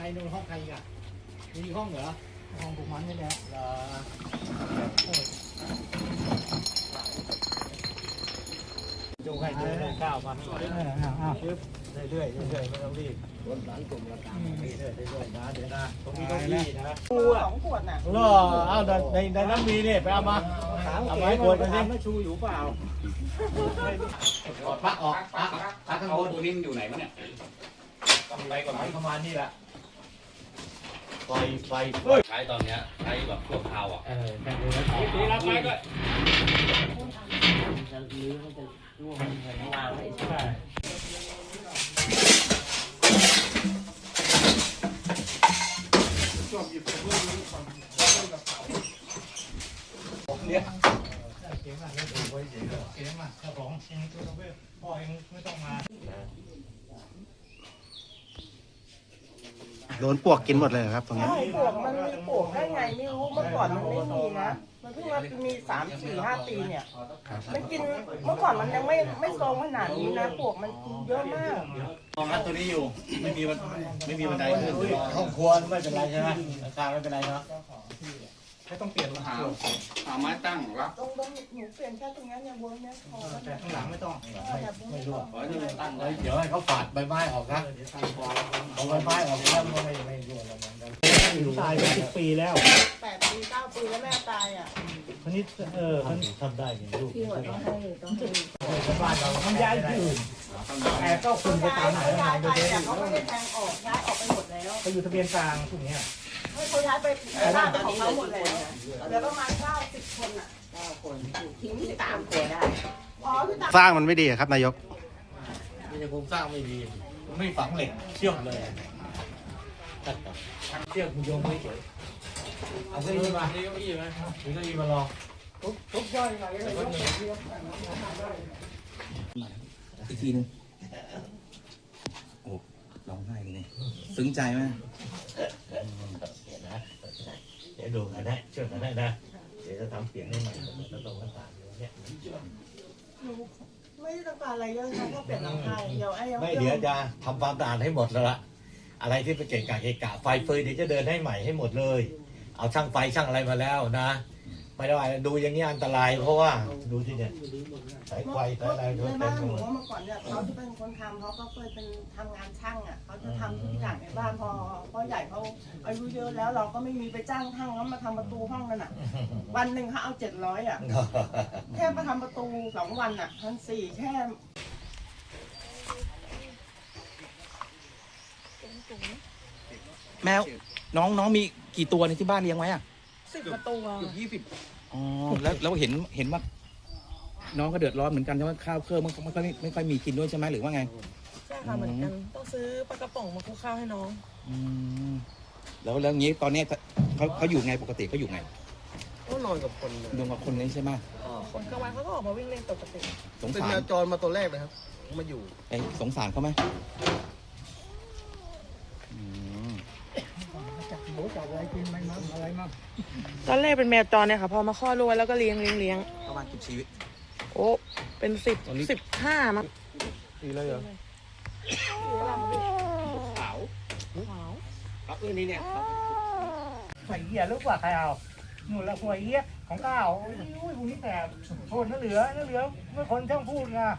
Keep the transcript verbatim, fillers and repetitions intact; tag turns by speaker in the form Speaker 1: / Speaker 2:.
Speaker 1: นู่นห้องใครอีกอ่ะมีห้องเหรอห้องพวกมันนี่แหละเหรอจูให้เดินก้าวมาเรื่อยๆเรื่อยๆเรื่อยๆไม่ต้องรีบรถหลานกลุ่มละตามเรื่อยๆเรื่อยๆนะเดี๋ยวนะตรงนี้ต้องรีบนะชูอ่ะสองขวดน่ะรอเอาในในน้ำมีเนี่ยไปเอามาเอาไม้ขวดกันสิไม่ชูอยู่เปล่าถอดปลั๊กออกปลั๊กปลั๊กข้างบนตัวนี้มันอยู่ไหนวะเนี่ยไปก่อนไหมประมาณนี้แหละไฟไฟ
Speaker 2: ใช้ตอนเนี้ยใช้แบบชั่วคราวอ่ะ
Speaker 1: เออแค่นี้แล้วตีรับไปก็จะลื้อมันจะร่วงมันจะวางไว้ใช่ไหมชอบหยิบกระเบื้องนี้ก่อนแล้วก็กระเป๋าเนี่ยเก่งมากเลยดูไว้เฉยเลยเก่งมากเจ้าของเองตัวกระเบื้องพ่อเองไม่ต้องมา
Speaker 3: โดนปวกกินหมดเลยครับตรงนี้
Speaker 4: ใช่ปวกมันมีปวกได้ไงไม่รู้เมื่อก่อนมันไม่มีนะมันเพิ่งมามีสามสี่ห้าปีเนี่ยมันกินเมื่อก่อนมันยังไม่ไม่โซงขนาดนี้นะปวกมันกินเยอะมาก
Speaker 1: มองนัดตัวนี้อยู่ไม่มีวันไม่มีบันไดขึ้นห้องครัวไม่เป็นไรใช่ไหมราคาไม่เป็นไรเนาะไม่ต้องเปลี่ยนมาหา
Speaker 2: หาไม้ตั้งรับ
Speaker 4: ตรงตรงหนูเปลี่ยนแค่ตรงนี้เนี่ยวนเนี่ยพอ
Speaker 1: แต่ข้างหลังไม่ต้องไม่รู้
Speaker 2: ขอให้มันตั้ง
Speaker 1: เดี๋ยวให้เขาฝาดใบไม้ออกนะเอาใบไม้ออกแล้วมันไม่ไม่ร่วงแล้วมันตายไปสิบปีแล้ว
Speaker 4: แปดปีเก้าปีแล้วแม่ตายอ่ะ
Speaker 1: คนนี้เออมันทำได้อย่างลูก
Speaker 4: พี่หัวต้องให้ต้องให้
Speaker 1: บ้านเราทำย้ายที่อื่นแต่ก็คุณไปตามไหน
Speaker 4: ย้ายไปแต่เขาไม่ได้แทงออกย้ายออกไปหมดแล้ว
Speaker 1: ไปอยู่ทะเบียนกลางพวกนี้
Speaker 4: เขาย้ายไปบ้านของเขาหมดแล้วเหลือประมาณเก้าสิบคนอ่ะเก้าคนทิ้งที่ตามคนได้อ๋อที่ตาม
Speaker 3: สร้างมันไม่ดีครับนายก
Speaker 1: นี่จะโครงสร้างไม่ดีไม่ฝังเหล็กเชื่อมเลยเชือกคุณโยงไม่เฉยเอาเก้าอี้มาเก้าอี้ไหมมีเก้าอี้มาลองทุบทุบย่อยมาเลย
Speaker 2: อีกทีนึงโอ้ร้องไห้เลยซึ้งใจไหม
Speaker 1: เดี๋ยวดูกันนะเชื่อกันได้นะเดี๋ยวจะทำเสียงให้ใหม่แล้วตรงหน้าต่างเนี่ย
Speaker 4: ไม่ได้ต้องการอะไรเยอะนะก็เปลี่ยนหลังคาเดียวไอ้ยัง
Speaker 1: ไม่เดี๋ยวจะทำความสะอาดให้หมดแล้วละอะไรที่เป็นเกะกะเกะกะไฟเฟยเดี๋ยวจะเดินให้ใหม่ให้หมดเลยเอาช่างไฟช่างอะไรมาแล้วนะไม่ได้ดูอย่างนี้อันตรายเพราะว่าดูที่เนี่ยสายไฟสายอะไร
Speaker 4: ในบ้านหนูว่าเมื่อก่อนเนี่ยเขาที่เป็นคนทำเขาก็เคยเป็นทำงานช่างอ่ะเขาจะทำทุกอย่างในบ้านพอพ่อใหญ่เขาอายุเยอะแล้วเราก็ไม่มีไปจ้างช่างแล้วมาทำประตูห้องนั่นอ่ะวันหนึ่งเขาเอาเจ็ดร้อยอ่ะแค่มาทำประตูสองวันอ่ะพันสี่แค่
Speaker 2: แมวน้องน้องมีกี่ตัวในที่บ้านเลี้ยงไว้อ่ะ
Speaker 4: สิบประตู
Speaker 2: เกือบยี่สิบอ๋อแล้วแล้วเห็นเห็นว่าน้องก็เดือดร้อนเหมือนกันใช่ไหมข้าวเครื่องมันไม่ค่อยไม่ค่อยมีกินด้วยใช่ไหมหรือว่าไง
Speaker 4: ใช่ค่ะเหมือนกันต้องซื้อปลากระป๋องมาคลุกข้าวให้น้อง
Speaker 2: อืมแล้วแล้วงี้ตอนนี้เขาเขาอยู่ไงปกติเขาอยู่ไง
Speaker 5: ก็นอนกับคน
Speaker 2: นอนกับคนนี้ใช่ไหม
Speaker 4: คนกลางวันเขาก็ออกมาวิ่งเล่นปกติ
Speaker 2: สง
Speaker 5: สารเป็นแมวจรมาตัวแรกนะครับมาอยู่
Speaker 2: ไอ้สงสารเขาไหม
Speaker 4: ตอนแรกเป็นแมวจรเนี่ยค่ะพอมาคลอดลูกแล้วก็เลี้ยงเลี้ยงเลี้ยง
Speaker 2: ประมาณกี่ชีวิต
Speaker 4: โอ้เป็นสิบสิบห้ามั้ง
Speaker 1: ดีเลยเหรอขาวขาวครับเออนี่เนี่ยไฟเหี้ยลูกว่าใครเอาหนูละไฟเหี้ยของก้าวอุ้ยพวกนี้แต่คนนั่นเหลือนั่นเหลือเมื่อคนช่างพูดไง